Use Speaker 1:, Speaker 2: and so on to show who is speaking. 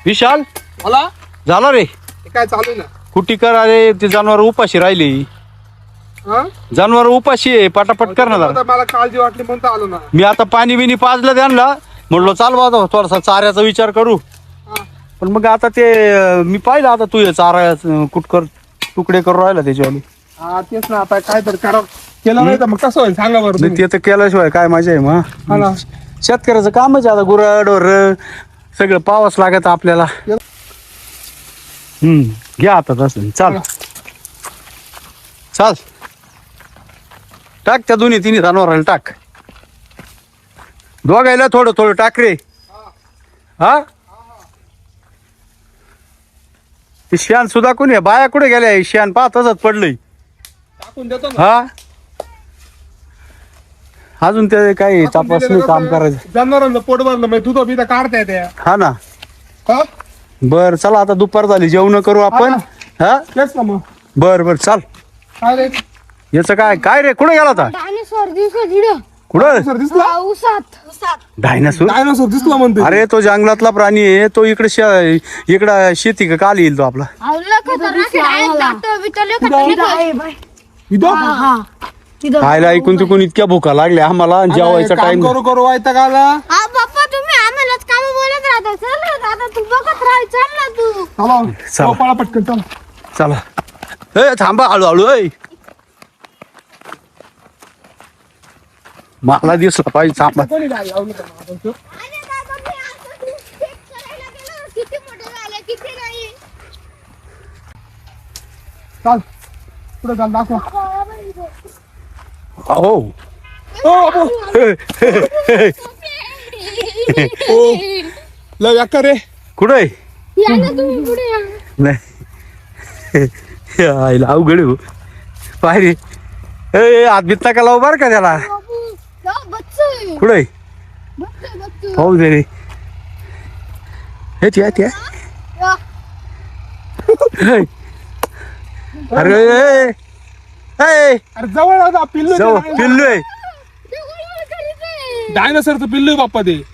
Speaker 1: विशाल
Speaker 2: मला
Speaker 1: झाला रे
Speaker 2: हे काय चालू आहे ना
Speaker 1: कुटी कर. अरे ते जनावर उपाशी राहिली.
Speaker 2: हा?
Speaker 1: जनावर उपाशी आहे. पटापट कर ना जरा.
Speaker 2: आता मला काळजी वाटली म्हणून तर आलो ना.
Speaker 1: मी आता पाणी बिनी पाजलं त्यांना. म्हणलो चाल बा थोडासा चाऱ्याचा विचार करू.
Speaker 2: हा.
Speaker 1: पण मग आता ते मी पाहिलं आता तू हे चारा कुटकर तुकडे करून राहिला त्याच्यावाली.
Speaker 2: हा तेच ना आता काय तर करा केलं नाही तर मग कसं होईल सांगा बरं
Speaker 1: नाही
Speaker 2: तुम्ही.
Speaker 1: ते तर केल्याशिवाय काय मजा आहे
Speaker 2: हा
Speaker 1: मग.
Speaker 2: ना.
Speaker 1: शेतकऱ्याचं कामच आहे आता. गुराढोर सगळं पावस लागत आपल्याला. घ्या आता तसं. चाल चाल टाक त्या दोन्ही तिन्ही जनावराला टाक. दोघायला थोडं थोडं टाक रे. हा ते शियान सुद्धा कोणी बाया कुठे गेल्या. शियान पाह तसंच पडलंय.
Speaker 2: टाकून देतो ना.
Speaker 1: हा अजून ते काही तपासणी काम करायचं.
Speaker 2: जनावरांचं पोट भरलं म्हणजे दूध बिध काढता येते.
Speaker 1: हा ना.
Speaker 2: हा
Speaker 1: बर चला आता दुपार झाली जेवण करू आपण. हा
Speaker 2: तेच ना मग
Speaker 1: बर बर चाल.
Speaker 2: काय रे
Speaker 1: याचं काय काय रे कुठे गेला होता.
Speaker 3: डायनासोर दिसला तिकडं.
Speaker 1: कुठं
Speaker 2: सर दिसला
Speaker 3: उसात
Speaker 1: डायनासोर.
Speaker 2: डायनोसॉर दिसला म्हणते.
Speaker 1: अरे तो जंगलातला प्राणी आहे तो. इकडं शेती का काल येईल तो आपला.
Speaker 2: इथं
Speaker 1: खायला ऐकून तिकून इतक्या भुका लागल्या आम्हाला. जेवायचा
Speaker 2: काम
Speaker 1: टाइम.
Speaker 2: करू करू वायता का आला.
Speaker 3: बाप्पा तुम्ही आम्हालाच काम बोलत राहता. चल ना दादा तू बघत राह. चल ना तू.
Speaker 2: चला
Speaker 1: चला.
Speaker 2: पळा पटकन चला.
Speaker 1: चला ए थांबा हळूहळू. मला दिसला पाहिजे. थांबा.
Speaker 2: कोणी गाडी लावली का मग आपण तो?
Speaker 3: अरे दादा मी आता तू चेक करायला गेलो. किती मोठे झाले किती नाही.
Speaker 2: चाल पुढे चाल दाखवा.
Speaker 1: हो
Speaker 2: ओ अबो. ओ लय अक्का रे.
Speaker 1: कुठे
Speaker 3: या ना तुम्ही पुढे या.
Speaker 1: नाही आईला अवघड आहे हो. पाय रे ए हात बीत नका लावू बरं का त्याला.
Speaker 3: बाबू या बच्चे
Speaker 1: कुठे
Speaker 3: बच्चे
Speaker 1: पाहू दे रे. हे त्या
Speaker 3: या.
Speaker 1: अरे ए, ए,
Speaker 2: अरे जवळ होता पिल्लू
Speaker 1: जाऊ पिल्लू आहे.
Speaker 3: ते गोळगोळ करीत आहे.
Speaker 2: डायनोसरचं पिल्लू आहे बाप्पा ते.